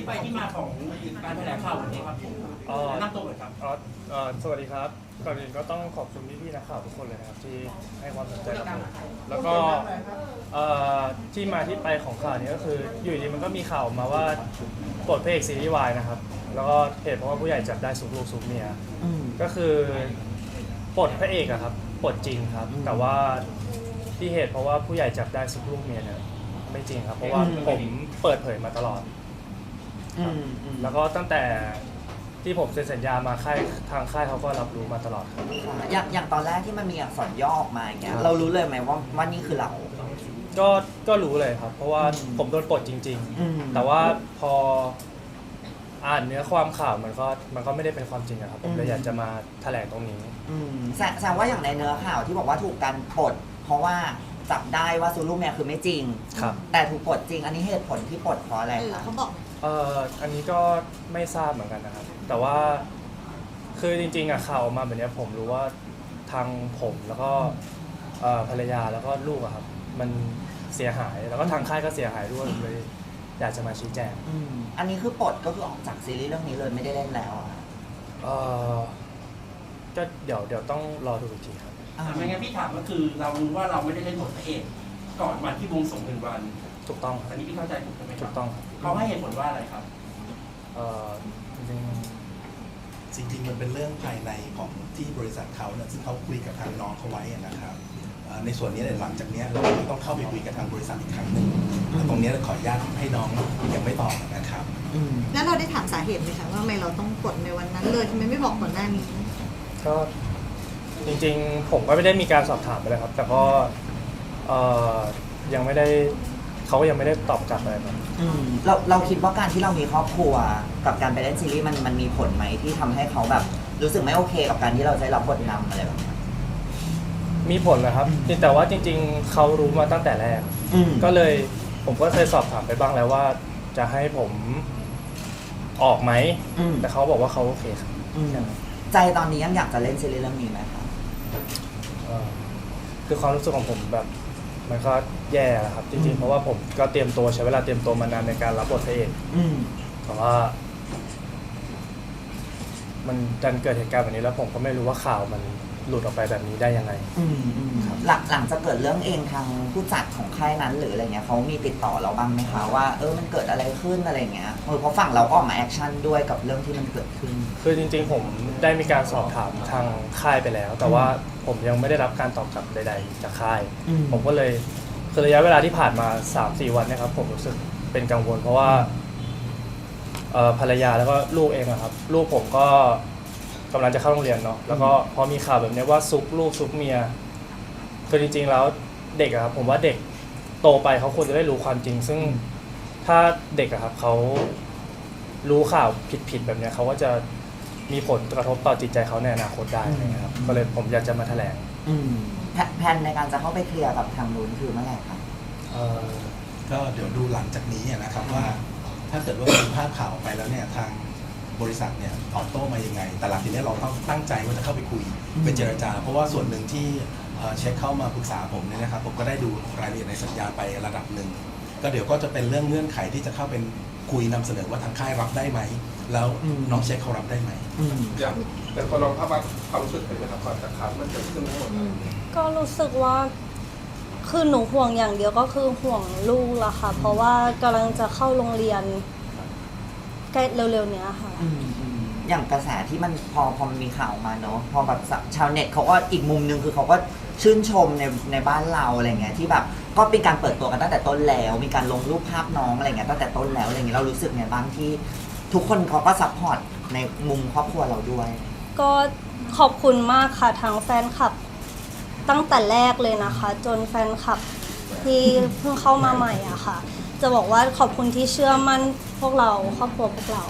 ไปที่มาของการแถลงข่าววันนี้ครับผมแนะนำตัวหน่อยครับสวัสดีครับก่อนอื่นก็ต้องขอบคุณพี่ๆนักข่าวทุกคนเลยนะครับที่ให้ความสนใจกับผมแล้วก็ที่มาที่ไปของข่าวนี้ก็คืออยู่ดีมันก็มีข่าวมาว่าปลดพระเอกซีรีส์วายนะครับแล้วก็เหตุเพราะว่าผู้ใหญ่จับได้ซุกลูกซุกเมียก็คือปลดพระเอกอะครับปลดจริงครับแต่ว่าที่เหตุเพราะว่าผู้ใหญ่จับได้ซุกลูกเมียเนี่ยไม่จริงครับเพราะว่าผมเปิดเผยมาตลอดแล้วก็ตั้งแต่ที่ผมเซ็นสัญญามาทางค่ายเขาก็รับรู้มาตลอดครับอย่างตอนแรกที่มันมีอักษรย่อออกมาอย่างเงี้ยเรารู้เลยไหมว่านี่คือเราก็รู้เลยครับเพราะว่าผมโดนปลดจริงๆแต่ว่าพออ่านเนื้อความข่าวมันก็ไม่ได้เป็นความจริงครับผมเลยอยากจะมาแถลงตรงนี้แสดงว่าอย่างในเนื้อข่าวที่บอกว่าถูกการปลดเพราะว่าจับได้ว่าซูลูเมียคือไม่จริงแต่ถูกปลดจริงอันนี้เหตุผลที่ปลดเพราะอะไรคะเขาบอกอันนี้ก็ไม่ทราบเหมือนกันนะครับแต่ว่าคือจริงๆข่าวออกมาแบบนี้ผมรู้ว่าทางผมแล้วก็ภรรยาแล้วก็ลูกครับมันเสียหายแล้วก็ทางค่ายก็เสียหายด้วยเลยอยากจะมาชี้แจงอันนี้คือปลดก็คือออกจากซีรีส์เรื่องนี้เลยไม่ได้เล่นแล้วก็เดี๋ยวต้องรอดูอีกทีครับไม่งั้นพี่ถามก็คือเรารู้ว่าเราไม่ได้เล่นบทพระเอกก่อนวันที่บวงสรวง1 วันถูกต้องอันนี้พี่เข้าใจถูกไหมครับถูกต้องเขาให้เหตุผลว่าอะไรครับจริงมันเป็นเรื่องภายในของที่บริษัทเขาเนี่ยซึ่งเขาคุยกับทางน้องเขาไว้นะครับในส่วนนี้หลังจากนี้เราต้องเข้าไปคุยกับทางบริษัทอีกครั้งหนึ่งตรงนี้ขออนุญาตให้น้องยังไม่ตอบนะครับแล้วเราได้ถามสาเหตุไหมคะว่าทำไมเราต้องกดในวันนั้นเลยทำไมไม่บอกก่อนหน้านี้ก็จริงๆผมก็ไม่ได้มีการสอบถามไปเลยครับแต่ก็ยังไม่ได้เขาก็ยังไม่ได้ตอบกลับอะไรครับเราคิดว่าการที่เรามีครอบครัวกับการไปเล่นซีรีส์มันมีผลไหมที่ทำให้เขาแบบรู้สึกไม่โอเคกับการที่เราได้รับบทนำอะไรแบบนี้มีผลนะครับแต่ว่าจริงๆเขารู้มาตั้งแต่แรกก็เลยผมก็เคยสอบถามไปบ้างแล้วว่าจะให้ผมออกไหมแต่เขาบอกว่าเขาโอเคครับใจตอนนี้ยังอยากจะเล่นซีรีส์เรื่องนี้ไหมครับคือความรู้สึกของผมแบบมันก็แย่แหละครับจริงๆเพราะว่าผมก็เตรียมตัวใช้เวลาเตรียมตัวมานานในการรับบทพระเอกแต่ว่ามันดันเกิดเหตุการณ์แบบนี้แล้วผมก็ไม่รู้ว่าข่าวมันหลุดออกไปแบบนี้ได้ยังไงหลังจากเกิดเรื่องเองทางผู้จัดของค่ายนั้นหรืออะไรเงี้ยเขามีติดต่อเราบ้างไหมคะว่ามันเกิดอะไรขึ้นอะไรเงี้ยเพราะฝั่งเราก็ออกมาแอคชั่นด้วยกับเรื่องที่มันเกิดขึ้นคือจริงๆผมได้มีการสอบถามทางค่ายไปแล้วแต่ว่าผมยังไม่ได้รับการตอบกลับใดๆจากค่ายผมก็เลยคือระยะเวลาที่ผ่านมา 3-4 วันเนี่ยครับผมรู้สึกเป็นกังวลเพราะว่าภรรยาแล้วก็ลูกเองครับลูกผมก็กำลังจะเข้าโรงเรียนเนาะแล้วก็พอมีข่าวแบบนี้ว่าซุกลูกซุกเมียคือจริงๆแล้วเด็กครับผมว่าเด็กโตไปเขาควรจะได้รู้ความจริงซึ่งถ้าเด็กครับเขารู้ข่าวผิดๆแบบนี้เขาก็จะมีผลกระทบต่อจิตใจเขาในอนาคตได้นะครับก็เลยผมอยากจะมาแถลงแผนในการจะเข้าไปเคลียร์กับทางนู้นคือเมื่อไหร่ครับก็เดี๋ยวดูหลังจากนี้นะครับว่าถ้าเกิดว่ามีภาพข่าวออกไปแล้วเนี่ยทางบริษัทเนี่ยตอบโต้มายังไงแต่หลังจากนี้เราต้องตั้งใจว่าจะเข้าไปคุยไปเจรจาเพราะว่าส่วนหนึ่งที่เช็คเข้ามาปรึกษาผมเนี่ยนะครับผมก็ได้ดูรายละเอียดในสัญญาไประดับหนึ่งก็เดี๋ยวก็จะเป็นเรื่องเงื่อนไขที่จะเข้าเป็นคุยนำเสนอว่าทางค่ายรับได้ไหมแล้วน้องเช็คเขารับได้ไหมอย่างแต่พอลองภาพความรู้สึกเป็นนะครับก่อนจากข่าวมันเกิดขึ้นทั้งหมดก็รู้สึกว่าคือหนูห่วงอย่างเดียวก็คือห่วงลูกละค่ะเพราะว่ากำลังจะเข้าโรงเรียนใกล้เร็วๆเนี้ยค่ะอย่างกระแสที่มันพอมันมีข่าวมาเนาะพอแบบชาวเน็ตเขาก็อีกมุมนึงคือเขาก็ชื่นชมในบ้านเราอะไรเงี้ยที่แบบก็เป็นการเปิดตัวกันตั้งแต่ต้นแล้วมีการลงรูปภาพน้องอะไรเงี้ยตั้งแต่ต้นแล้วอะไรเงี้ยเรารู้สึกไงบ้างที่ทุกคนเขาก็ซัพพอร์ตในมุมครอบครัวเราด้วยก็ขอบคุณมากค่ะทางแฟนคลับตั้งแต่แรกเลยนะคะจนแฟนคลับที่เพิ่งเข้ามาใหม่อะค่ะจะบอกว่าขอบคุณที่เชื่อมั่นพวกเราครอบครัวพวกเรา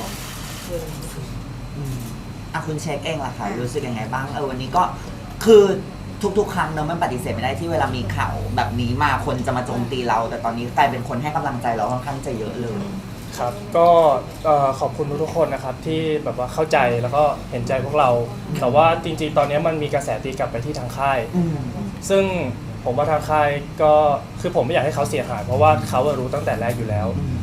คุณเช็คเองล่ะค่ะรู้สึกยังไงบ้างวันนี้ก็คือทุกๆครั้งเนอะมันปฏิเสธไม่ได้ที่เวลามีข่าวแบบนี้มาคนจะมาโจมตีเราแต่ตอนนี้กลายเป็นคนให้กำลังใจเราค่อนข้างจะเยอะเลยครับก็ขอบคุณทุกคนนะครับที่แบบว่าเข้าใจแล้วก็เห็นใจพวกเราแต่ว่าจริงๆตอนนี้มันมีกระแสตีกลับไปที่ทางค่ายซึ่งผมว่าทางค่ายก็คือผมไม่อยากให้เขาเสียหายเพราะว่าเขารู้ตั้งแต่แรกอยู่แล้ว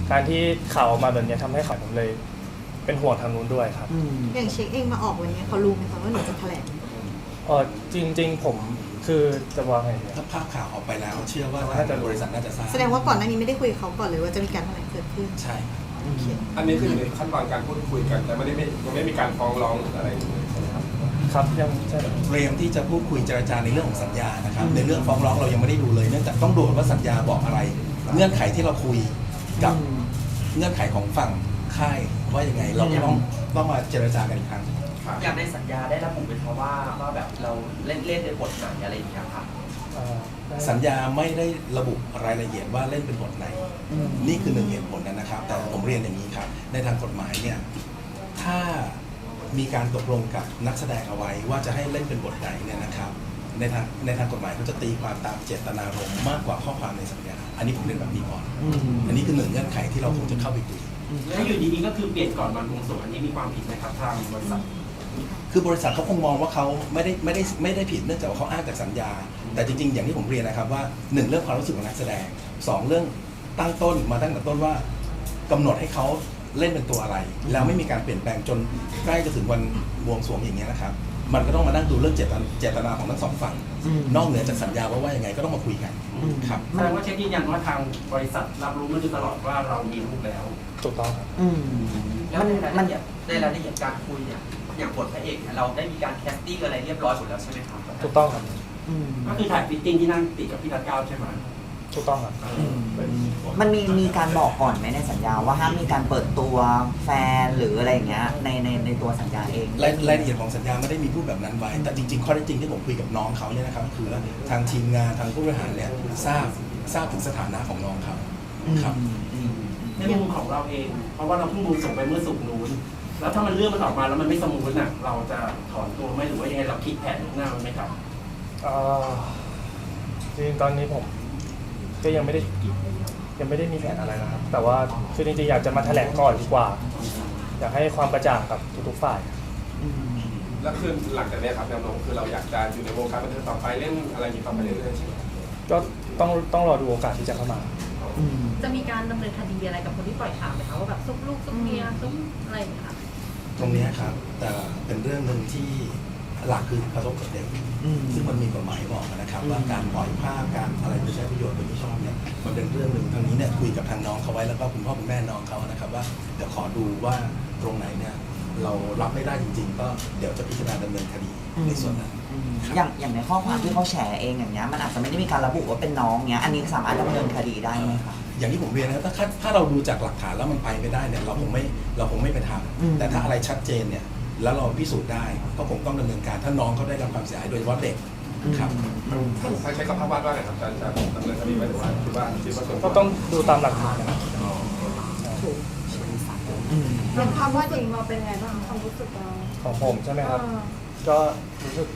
การที่ข่าวออกมาแบบนี้ทำให้ข่าวผมเลยเป็นห่วงทางนู้นด้วยครับอย่างเช็คเองมาออกวันนี้เขารู้ไหมคะว่าหนูจะแถลงจริงๆผมคือจะวางไงเนี่ยถ้าภาพข่าวออกไปแล้ว เชื่อว่าทางบริษัทน่าจะทราบแสดงว่าก่อนหน้านี้ไม่ได้คุยกับเขาก่อนเลยว่าจะมีการแถลงเกิดขึ้นใช่ครับอันนี้คืออยู่ในขั้นตอนการพูดคุยกันแต่ยังไม่มีการฟ้องร้องหรืออะไรอย่างเงี้ยใช่ไหมครับครับยังใช่เตรียมที่จะพูดคุยเจรจาในเรื่องของสัญญานะครับในเรื่องฟ้องร้องเรายังไม่ได้ดูเลยเนื่องจากต้องดูว่าสัญญาบอกอะไร เงื่อนไขที่เราคุยกับเงื่อนไขของฝั่งค่ายว่ายังไงเราก็ต้องมาเจรจากันอีกครั้งอย่างในสัญญาได้ระบุไว้เพราะว่าแบบเราเล่นในบทไหนอะไรอย่างเงี้ยครับสัญญาไม่ได้ระบุรายละเอียดว่าเล่นเป็นบทไหน นี่คือหนึ่งเหตุผลนะครับ แต่ผมเรียนอย่างนี้ครับ ในทางกฎหมายเนี่ย ถ้ามีการตกลงกับนักแสดงเอาไว้ว่าจะให้เล่นเป็นบทไหนเนี่ยนะครับ ในทางกฎหมายเขาจะตีความตามเจตนารมณ์มากกว่าข้อความในสัญญา อันนี้ผมเรียนแบบนี้ก่อน อันนี้คือหนึ่งเงื่อนไขที่เราคงจะเข้าไปคุยแล้วอยู่ดีๆก็คือเปลี่ยนก่อนวันบวงสรวงอันนี้มีความผิดไหมครับทางบริษัทคือบริษัทเขาคงมองว่าเขาไม่ได้ผิดเนื่องจากว่าเขาอ้างจากสัญญา แต่จริงๆ อย่างที่ผมเรียนนะครับว่าหนึ่งเรื่องความรู้สึกของนักแสดงสองเรื่องตั้งต้นมาตั้งแต่ต้นว่ากำหนดให้เขาเล่นเป็นตัวอะไร แล้วไม่มีการเปลี่ยนแปลงจนใกล้จะถึงวันบวงสรวงอย่างเงี้ยนะครับ มันก็ต้องมานั่งดูเรื่องเจตนาของทั้งสองฝั่งนอกเหนือจากสัญญาว่ายังไงก็ต้องมาคุยกันครับแสดงว่าเช็คยืนยันว่าทางบริษัทรับรู้มาโดยตลอดว่าเรามีลูกแล้วถูกต้องครับแล้วในรายละเอียดการคุยเนี่ยอย่างบทพระเอกเนี่ยเราได้มีการแคสติ้งอะไรเรียบร้อยหมดแล้วใช่ไหมครับถูกต้องครับก็คือถ่ายฟิตติ้งที่นั่งติดกับพี่รัตเก้าใช่ไหมถูกต้องครับมันมีการบอกก่อนไหมในสัญญาว่าห้ามมีการเปิดตัวแฟนหรืออะไรอย่างเงี้ยในตัวสัญญาเองรายละเอียดของสัญญาไม่ได้มีพูดแบบนั้นไว้ แต่จริงๆข้อเท็จจริงที่ผมคุยกับน้องเขาเนี่ยนะครับคือว่าทางทีมงานทางผู้บริหารเนี่ยทราบถึงสถานะของน้องเขาครับในมุมของเราเอง เพราะว่าเราเพิ่งบวงสรวงไปเมื่อศุกร์นู้นแล้วถ้ามันเรื่องมันออกมาแล้วมันไม่สมูทน่ะเราจะถอนตัวไหมหรือว่ายังไงเราคิดแผนล่วงหน้าไหมครับจริงๆตอนนี้ผมก็ยังไม่ได้มีแผนอะไรนะครับ แต่ว่าคือจริงๆอยากจะมาแถลงก่อนดีกว่า อยากให้ความกระจ่างกับทุกๆฝ่ายแล้วคือหลังจากนี้ครับแนวโน้มคือเราอยากจะอยู่ในวงการบันเทิงต่อไปเล่นอะไรอย่างนี้ต่อไปเรื่อยๆใช่ไหมก็ต้องรอดูโอกาสที่จะเข้ามาจะมีการดำเนินคดีอะไรกับคนที่ปล่อยข่าวไหมคะว่าแบบซุกลูกซุกเมียซุกอะไรอย่างเงี้ยค่ะตรงเนี้ยครับแต่เป็นเรื่องหนึ่งที่หลักคือกระทบกับเด็กซึ่งมันมีกฎหมายบอกนะครับว่าการปล่อยภาพการอะไรไปใช้ประโยชน์โดยไม่ชอบเนี่ยมันเป็นเรื่องหนึ่งทางนี้เนี่ยคุยกับทางน้องเขาไว้แล้วก็คุณพ่อคุณแม่น้องเขานะครับว่าเดี๋ยวขอดูว่าตรงไหนเนี่ยเรารับไม่ได้จริงๆ ก็เดี๋ยวจะพิจารณาดำเนินคดีในส่วนนั้นอย่างในข้อความที่เขาแชร์เองอย่างเงี้ยมันอาจจะไม่ได้มีการระบุว่าเป็นน้องเงี้ยอันนี้สามารถดำเนินคดีได้ไหมคะอย่างที่ผมเรียนนะครับถ้าเราดูจากหลักฐานแล้วมันไปไม่ได้เนี่ยเราคงไม่ไปทำแต่ถ้าอะไรชัดเจนเนี่ยแล้วเราพิสูจน์ได้ก็คงต้องดำเนินการถ้าน้องเขาได้รับความเสียหายโดยเฉพาะเด็กครับใช้คำภาพวาดว่าไงครับจะดำเนินคดีไหมหรือว่าคิดว่าส่วนก็ต้องดูตามหลักฐานนะครับอย่างความว่าจริงเราเป็นไงบ้างความรู้สึกเราของผมใช่ไหมครับ ก็รู้สึก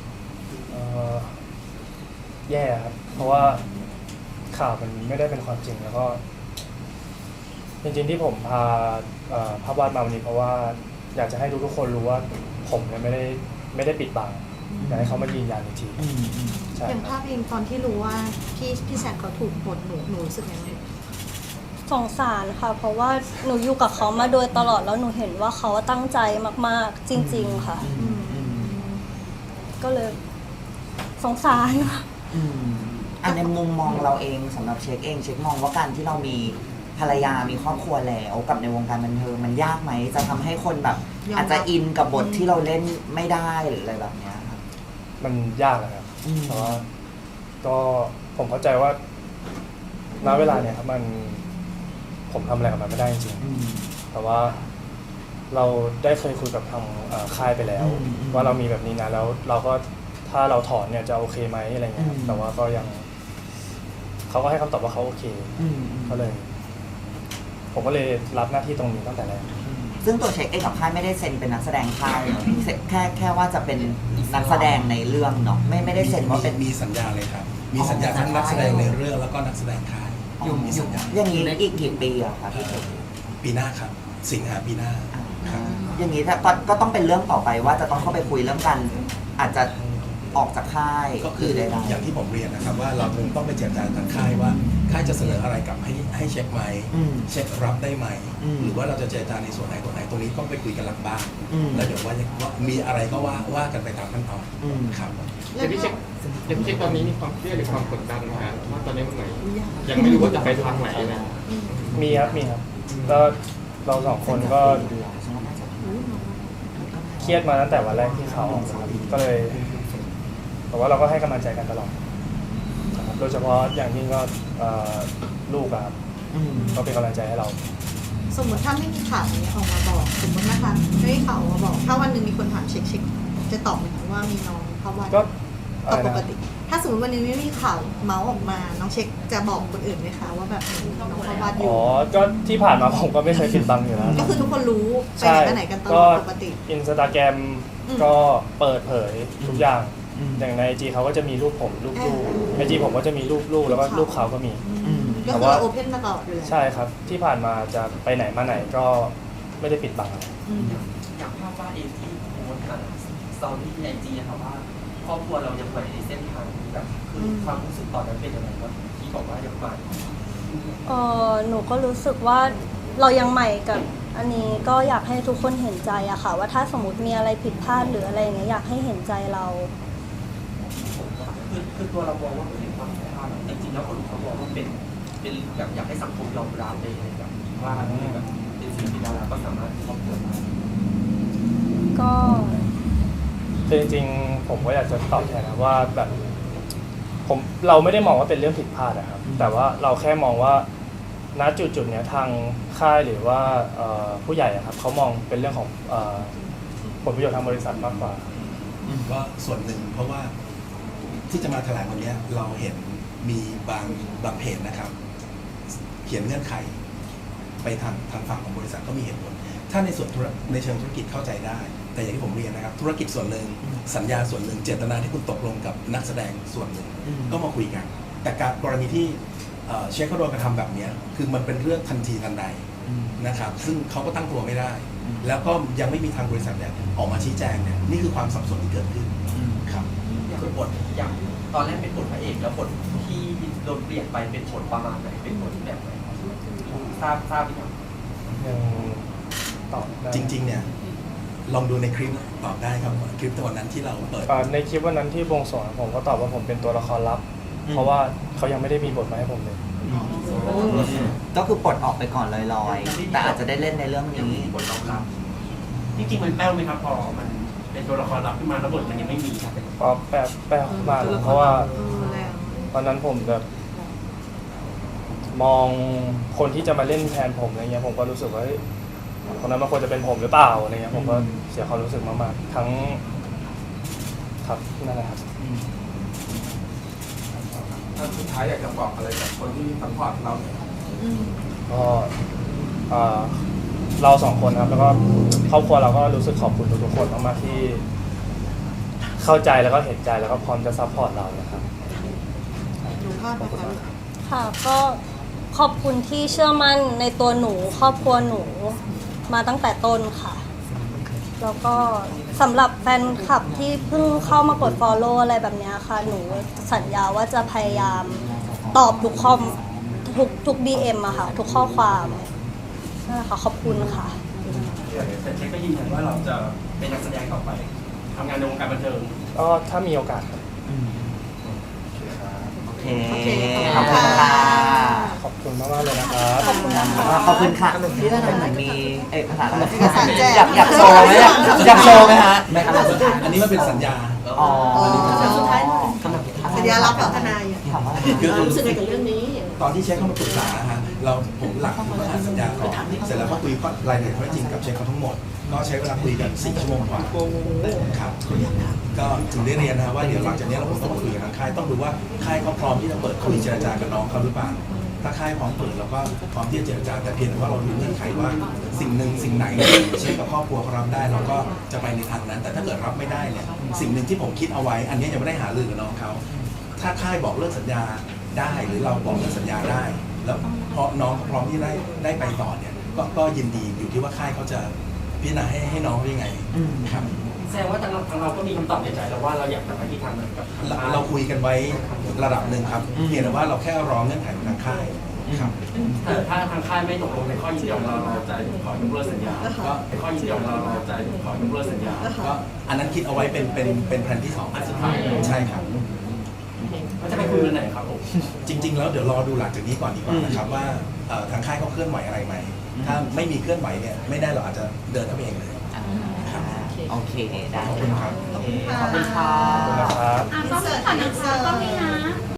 แย่ครับ เพราะว่าข่าวมันไม่ได้เป็นความจริงแล้วก็ จริงๆที่ผมพาภาพวาดมาวันนี้เพราะว่าอยากจะให้ทุกคนรู้ว่าผมเนี่ยไม่ได้ปิดบังอยากให้เขามายืนยันอีกทีใช่อย่างคภารับพเองตอนที่รู้ว่าพี่แซคเขาถูกปลดหนูรู้สึกยังไงสงสารค่ะ เพราะว่าหนูอยู่กับเขามาโดยตลอดแล้วหนูเห็นว่าเขาตั้งใจมากๆ จริง ๆ ค่ะ ก็เลยสงสารค่ะอันในมุมมองเราเองสำหรับเช็คเองเช็คมองว่าการที่เรามีภรรยามีครอบครัวแล้วกับในวงการบันเทิงมันยากไหมจะทำให้คนแบบอาจจะอินกับบทที่เราเล่นไม่ได้หรืออะไรแบบเนี้ยครับมันยากนะครับแต่ว่าก็ผมเข้าใจว่าณเวลาเนี่ยครับผมทำอะไรกับมันไม่ได้จริงๆแต่ว่าเราได้เคยคุยกับทางค่ายไปแล้ว ว่าเรามีแบบนี้นะแล้วเราก็ถ้าเราถอนเนี่ยจะโอเคไหมอะไรเงี้ยแต่ว่าก็ยังเขาก็ให้คำตอบว่าเขาโอเคก็เลย ผมก็เลยรับหน้าที่ตรงนี้ตั้งแต่แรกซึ่งตัวเช็คเองกับค่ายไม่ได้เซ็นเป็นนักแสดงค่ายเนอะแค่ว่าจะเป็นนักแสดงในเรื่องเนาะไม่ได้เซ็นว่าเป็นมีสัญญาเลยครับมีสัญญาทั้งนักแสดงในเรื่องแล้วก็นักแสดงค่ายมีสัญญาอย่างนี้อีกกี่ปีอะคะพี่เช็คปีหน้าครับสิงหาปีหน้าครับอย่างนี้ถ้าก็ต้องเป็นเรื่องต่อไปว่าจะต้องเข้าไปคุยเรื่องกันอาจจะออกจากค่ายก็คือได้อย่างที่ผมเรียนนะครับว่าเราคงต้องไปเจรจาทางค่ายว่าค่ายจะเสนออะไรกลับให้เช็คไหม เช็ครับได้ไหม หรือว่าเราจะเจรจาในส่วนไหนตัวไหนตรงนี้ต้องไปคุยกันหลังบ้านแล้วเดี๋ยวว่ามีอะไรก็ว่ากันไปตามขั้นตอนครับแล้วพี่เช็คตอนนี้มีความเครียดหรือความกดดันนะฮะว่าตอนนี้มันไหนยังไม่รู้ว่าจะไปทางไหนนะมีครับก็เราสองคนก็เครียดมาตั้งแต่วันแรกที่เขาออกมาครับก็เลยแต่ว่าเราก็ให้กำลังใจกันตลอดนะครับโดยเฉพาะอย่างยิ่งก็ลูกอะครับก็เป็นกำลังใจให้เราสมมติถ้าไม่มีข่าวนี้ออกมาบอกสมมตินะคะไม่มีข่าวออกมาบอก ถ้าวันหนึ่งมีคนถามเช็คจะตอบไหมคะว่ามีน้องเข้าวัดก็ก็ปกติ ถ้าสมมติวันหนึงไม่มีข่าวเมาส์ออกมาน้องเช็คจะบอกคนอื่นไหมคะว่าแบบน้องเข้าวัดอยู่อ๋อก็ที่ผ่านมาผมก็ไม่เคยปิดบังอยู่แล้วก็คือทุกคนรู้ไปใช่ไหนกันไหนกันตลก็อดปกติอินสตาแกรมก็เปิดเผยทุกอย่างอย่างใน IG เขาก็จะมีรูปผมรูปลูกใน IG ผมก็จะมีรูปลูกแล้วก็รูปเขาก็มีก็คือเราโอเพนมาตลอดอยู่แล้วใช่ครับที่ผ่านมาจะไปไหนมาไหนก็ไม่ได้ปิดบังอะไรอย่างภาพวาดเองที่โพสต์สตอรี่ในไอจีนะครับว่าครอบครัวเรายังไปในเส้นทางนี้แบบคือความรู้สึกตอนนั้นเป็นยังไงว่าที่บอกว่ายังไปหนูก็รู้สึกว่าเรายังใหม่กับอันนี้ก็อยากให้ทุกคนเห็นใจอะค่ะว่าถ้าสมมติมีอะไรผิดพลาดหรืออะไรอย่างเงี้ยอยากให้เห็นใจเราคือตัวเรามองว่าเป็นความผิดพลาดแต่จริงๆแล้วคนเขาบอกว่าเป็นแบบอยากให้สังคมยอมรับเลยแบบว่าแบบเป็นศิลปินดาราก็สามารถครอบครัวได้ก็คือจริงๆผมก็อยากจะตอบแทนนะว่าแบบเราไม่ได้มองว่าเป็นเรื่องผิดพลาดนะครับแต่ว่าเราแค่มองว่าณจุดเนี้ยทางค่ายหรือว่าผู้ใหญ่อะครับเขามองเป็นเรื่องของผลประโยชน์ทางบริษัทมากกว่าก็ส่วนหนึ่งเพราะว่าที่จะมาแถลงวันนี้เราเห็นมีบางเพจนะครับ เขียนเงื่อนไข ไปทางฝั่งของบริษัทก็มีเหตุผลถ้าในส่วนในเชิงธุรกิจเข้าใจได้ แต่อย่างที่ผมเรียนนะครับธุรกิจส่วนหนึ่งสัญญาส่วนหนึ่งเจตนาที่คุณตกลงกับนักแสดงส่วนหนึ่งก็มาคุยกัน แต่การกรณีที่เชคเขาโดนกระทำแบบนี้คือมันเป็นเรื่องทันทีทันใดนะครับซึ่งเขาก็ตั้งตัวไม่ได้ แล้วก็ยังไม่มีทางบริษัทเนี่ยออกมาชี้แจงเนี่ยนี่คือความสับสนที่เกิดขึ้นครับอย่างบทอย่างตอนแรกเป็นบทพระเอกแล้วบทที่โดนเปลี่ยนไปเป็นบทประมาณไหนเป็นบทแบบไหนทราบหรือยังยังตอบได้จริงๆเนี่ยลองดูในคลิปตอบได้ครับคลิปตัวนั้นที่เราเปิดในคลิปวันนั้นที่บวงสรวงผมก็ตอบว่าผมเป็นตัวละครลับ เพราะว่าเขายังไม่ได้มีบทมาให้ผมเลยก็คือปลดออกไปก่อนลอยๆ แต่อาจจะได้เล่นในเรื่องนี้บทรองรับจริงๆมันแป้วไหมครับพอมันเป็นตัวละครลับขึ้นมาแล้วบทมันยังไม่มีก็แปลมากเพราะว่าแรงตอนนั้นผมแบบมองคนที่จะมาเล่นแทนผมอะไรเงี้ยผมก็รู้สึกว่าเฮ้ยคนนั้นมันควรจะเป็นผมหรือเปล่าอะไรเงี้ยผมก็เสียความรู้สึกมากๆทั้งครับนั่นแหละครับถ้าสุดท้ายอยากจะบอกอะไรกับคนที่ซัพพอร์ตเราเนี่ยก็เราสองคนครับแล้วก็ครอบครัวเราก็รู้สึกขอบคุณทุกๆคนมากๆที่เข้าใจแล้วก็เห็นใจแล้วก็พร้อมจะซัพพอร์ตเรานะครับดูภาพนะคะค่ะก็ขอบคุณที่เชื่อมั่นในตัวหนูครอบครัวหนูมาตั้งแต่ต้นค่ะ แล้วก็สำหรับแฟนคลับที่เพิ่งเข้ามากด follow อะไรแบบนี้ค่ะหนูสัญญาว่าจะพยายามตอบทุกทุก DM อะค่ะทุกข้อความนั่นแหละค่ะขอบคุณค่ะแต่เช็คก็ยืนยันว่าเราจะเป็นนักแสดงต่อไปทำงานในวงการบันเทิงก็ถ้ามีโอกาสครับโอเคโอเคขอบคุณค่ะขอบคุณมากๆเลยนะครับขอบคุณนะคะขอบคุณค่ะที่ท่านเหมือนมีเอกสารเอกสารแจกอยากโชว์ไหมอยากโชว์ไหมฮะไม่ครับอันนี้มันเป็นสัญญาอ๋อสุดท้ายกำลังสัญญารับกับทนายถามว่ารู้สึกไงกับเรื่องนี้ตอนที่เช็คเข้ามาปรึกษาฮะผมหลักผมก็อ่านสัญญาก่อนเสร็จแล้วก็คุยรายละเอียดข้อเท็จจริงกับเช็คเขาทั้งหมดก็ใช้เวลาคุยกัน4 ชั่วโมงกว่าครับก็ถึงได้เรียนนะว่าเดี๋ยวหลังจากนี้เราคงต้องมาคุยกับทางค่ายต้องดูว่าค่ายเขาพร้อมที่จะเปิดคุยเจรจากับน้องเขาหรือเปล่าถ้าค่ายพร้อมเปิดเราก็พร้อมที่จะเจรจาแต่เพียงแต่ว่าเราดูเงื่อนไขว่าสิ่งหนึ่งสิ่งไหนเช็คกับครอบครัวเขารับได้เราก็จะไปในทางนั้น แต่ถ้าเกิดรับไม่ได้เนี่ยสิ่งหนึ่งที่ผมคิดเอาไว้อันนี้ยังไม่ได้หารือกับน้องเขาถ้าค่ายบอกเลิกสัญญาได้หรือเราบอกเลิกสัญญาได้ แล้วพอน้องพร้อมที่ได้ไปต่อเนี่ยก็ยินดีอยู่ที่ว่าค่ายเขาจะพิจารณาให้น้องว่ายังไงครับแสดงว่าทางเราก็มีคำตอบในใจแล้วว่าเราอยากจะไปที่ทางนั้นกับเราคุยกันไว้ระดับหนึ่งครับเพียงแต่ว่าเราแค่รอเงื่อนไขของทางค่ายครับแต่ถ้าทางค่ายไม่ตกลงในข้อยินยอมเราจะขอยกเลิกสัญญาก็ข้อยินยอมเราจะขอยกเลิกสัญญาก็อันนั้นคิดเอาไว้เป็นแผนที่ 2 อันสุดท้ายใช่ครับก็จะไปคุยกันไหนครับผมจริง ๆ แล้วเดี๋ยวรอดูหลังจากนี้ก่อนดีกว่านะครับว่าทางค่ายเขาเคลื่อนไหวอะไรไหมถ้าไม่มีเคลื่อนไหวเนี่ยไม่ได้เราอาจจะเดินเข้าไปเองเลยโอเค ได้ขอบคุณครับขอบคุณค่ะนะครับอ่ะต้องมีก่อนนะคะต้องมีนะ